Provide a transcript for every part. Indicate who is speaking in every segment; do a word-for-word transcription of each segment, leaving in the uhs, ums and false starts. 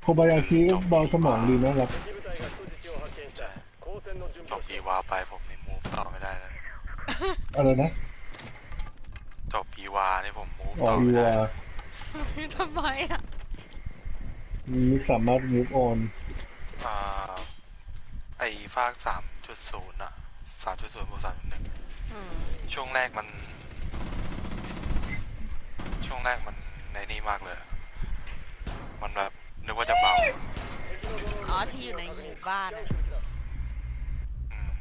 Speaker 1: โคบายาชิก็เบาสมองดีนะครับ
Speaker 2: จบอีวาไปผมนี่มูฟต่อไม่ได้เลย
Speaker 1: อะไรนะ
Speaker 2: จบอีวานี่ผมมูฟ
Speaker 1: อ๋อ
Speaker 2: ต่อ
Speaker 1: อี
Speaker 2: ไม่ได้
Speaker 1: วา
Speaker 3: ทำไมอ่ะ
Speaker 1: มีสามารถ move on
Speaker 2: อ่าไอ้ภาคสามจุดศูนย์อะสามจุดศูนย์บวกสามจุดหนึ่ง
Speaker 3: อืม
Speaker 2: ช่วงแรกมัน ช่วงแรกมันในนี่มากเลย มันแบบนึกว่าจะเบา
Speaker 3: อ๋อที่อยู่ในหมู่บ้านอะ
Speaker 2: อืม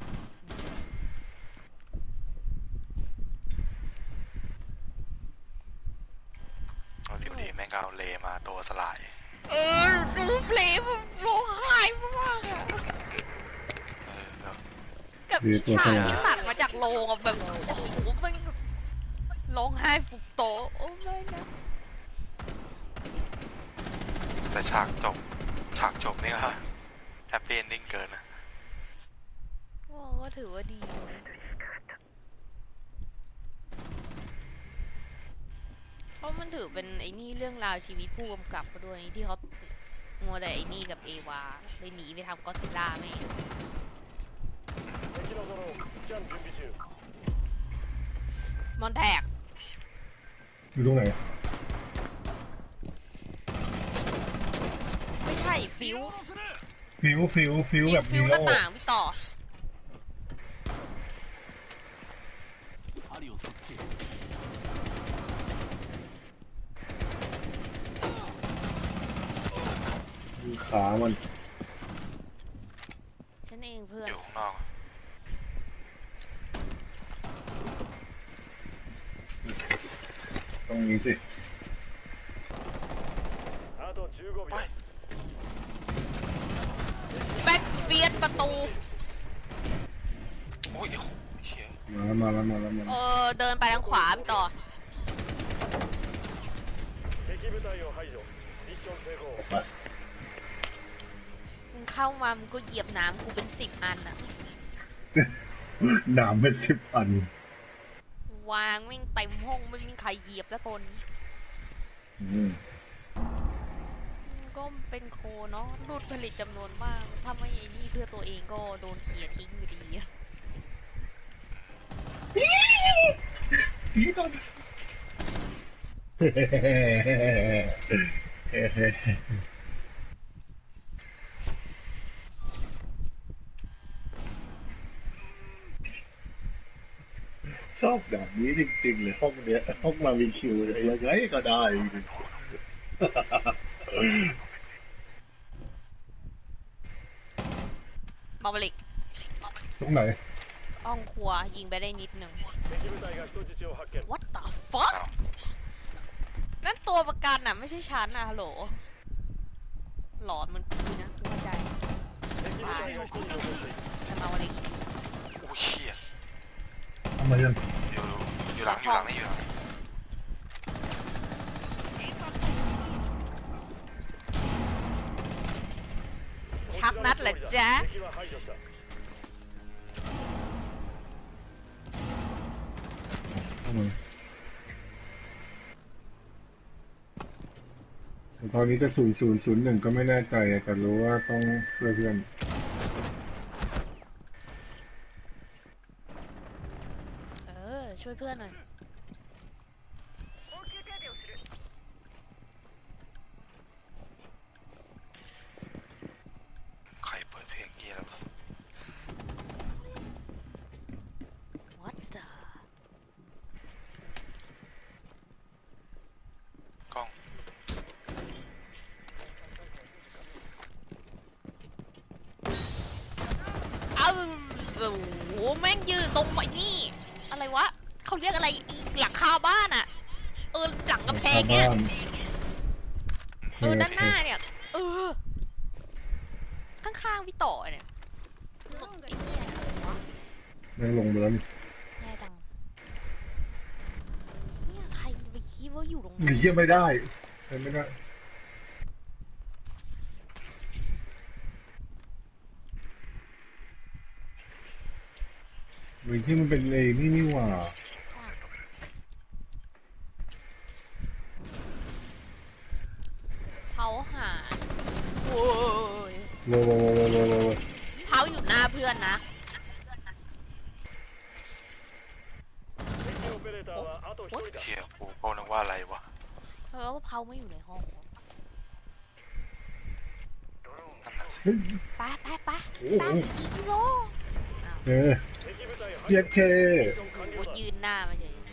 Speaker 2: แล้วอยู่ดีแม่งก็เอาเลมาตัวสลาย
Speaker 3: เออดูเพลงผมร้องไห้มากอะ
Speaker 2: เออแบบ
Speaker 3: กับฉากที่ตัดมาจากโรงอะแบบโอ้โหมันร้องไห้ฟุบโตะโอ้ไม่นะ
Speaker 2: แต่ฉากจบ ฉากจบนี่ก็แฮปปี้เอนดิ้งเกินนะ
Speaker 3: ว่าก็ถือว่าดีเพราะมันถือเป็นไอ้นี่เรื่องราวชีวิตผู้กำกับมาด้วยที่เขามัวแต่ไอ้นี่กับเอวาเลยหนีไปทำก็อดซิลล่าแม่งมอนแทก
Speaker 1: อยู่ตรงไหน
Speaker 3: ไม่ใช่ฟิว
Speaker 1: ฟิวฟิวฟิวแบบ
Speaker 3: ฟิ
Speaker 1: นี
Speaker 3: วห
Speaker 1: โร่
Speaker 3: น้าต่างพี่ต่อ
Speaker 1: ขามัน
Speaker 3: ฉันเองเพื่อน
Speaker 2: อยู่ข้างนอกอะ
Speaker 1: ตรงนี้สิ
Speaker 2: เฮ้ย
Speaker 3: แบ็คเบียดประตู
Speaker 2: โอ้ยโอ้โหเชี่ย
Speaker 1: มาแล้วมาแล้วมาแล้วมา
Speaker 3: เอ
Speaker 1: แล้ว
Speaker 3: อเดินไปทางขวาพี่ต่อ
Speaker 1: ออกไป
Speaker 3: มึงเข้ามามึงก็เหยียบน้ำกูเป็นสิบอันอะ
Speaker 1: หนามเป็นสิบอัน
Speaker 3: วางแม่งเต็มห้องไม่มีใครเหยียบสักคน
Speaker 1: อืม
Speaker 3: ก็เป็นโคเนาะรูดผลิตจำนวนมากถ้าไม่ไอ้นี่เพื่อตัวเองก็โดนเขี่ยทิ้งอยู่ดีอะ
Speaker 1: พี่ตอนชอบแบบนี้จริงๆเลยห้องเนี้ยห้องมาวีคิวเนี่ยยังไงก็ได้จริง
Speaker 3: มาบลิก
Speaker 1: ตรงไหน
Speaker 3: ห้องครัวยิงไปได้นิดหนึ่ง What the fuck
Speaker 2: อ้าว
Speaker 3: นั่นตัวประกันอะไม่ใช่ฉันอะฮัลโหลหลอนมันกูนะกูเข้าใจตายจะมาวันนี้
Speaker 2: โอ้ยเชี่ย
Speaker 1: ทำไมยัง
Speaker 2: อยู่อยู่หลังอยู่หลังนี่อยู่หลัง
Speaker 3: ชักนัดเหรอจ๊ะ
Speaker 1: ทำไมแต่ตอนนี้จะศูนย์ศูนย์ศูนย์หนึ่งก็ไม่แน่ใจแต่รู้ว่าต้องช่วยเพื่อน
Speaker 3: เออช่วยเพื่อนหน่อย
Speaker 2: ใครเปิดเพลงเงี้ยแล้ววะ
Speaker 3: What the
Speaker 2: กล้อง
Speaker 3: เอ้าโอ้โหแม่งยืนตรงไอ้นี่ อะไรวะเขาเรียกอะไรอีหลังคาบ้านอะเออหลังกำแพงเนี่ย เออด้านหน้าเนี่ย เออ ข้างๆพี่ต่อเนี่ยสุดไอ้เนี่ยอะไรวะ
Speaker 1: นั่งลงไปแล้วนี่
Speaker 3: แย่จังเนี่ยใครมันไปคิดว่าอยู่ตรง
Speaker 1: ห
Speaker 3: นั้
Speaker 1: นี
Speaker 3: น
Speaker 1: เยี่ยไม่ได้ใช้ไม่ได้หรือที่มันเป็นเลนี่นี่หว่า
Speaker 3: เผาหารโอ้ย
Speaker 1: โว้โว้โว้โว้โว้
Speaker 3: เท้าอยู่หน้าเพื่อนนะ
Speaker 2: เชี่ยกูก็นึกว่าอะไรวะ
Speaker 3: เพราะว่าเผาไม่อยู่ในห้อง
Speaker 2: นั่นน่ะสิ
Speaker 1: เฮ้ย
Speaker 3: ไปไปไป
Speaker 1: โอ้โห
Speaker 3: ตามอีกโล
Speaker 1: เออเพียเค
Speaker 3: โอ้โหยืนหน้ามาเฉย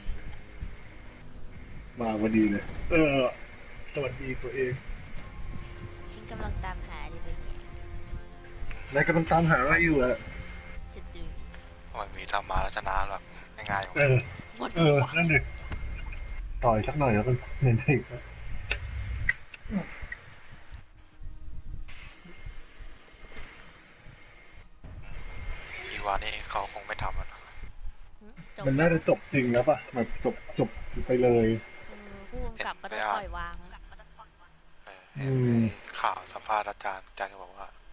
Speaker 1: มาพอดีเลย เออ สวัสดีตัวเอง
Speaker 3: ฉันกำลังตามหาที่เป็นไง
Speaker 1: นายกำลังตามหาอะไรอยู่อะ
Speaker 3: สตู
Speaker 2: ทำไมมีทำมาแล้วชนะแบบง่ายๆวะ
Speaker 1: เออ
Speaker 3: หมด
Speaker 1: เออ นั่นดิต่อยสักหน่อยแล้วกันเห็นอีก
Speaker 2: อีวานี่เขาคงไม่ทำมันหรอก
Speaker 3: จบ
Speaker 1: มันน่าจะจบจริงแล้วป่ะแบบจบจบไปเลย
Speaker 3: เออผู้กำกับก็ต้องปล่อยวาง
Speaker 2: เออเห็น
Speaker 1: อืม
Speaker 2: ข่าวสัมภาษณ์อาจารย์อาจารย์ก็บอกว่า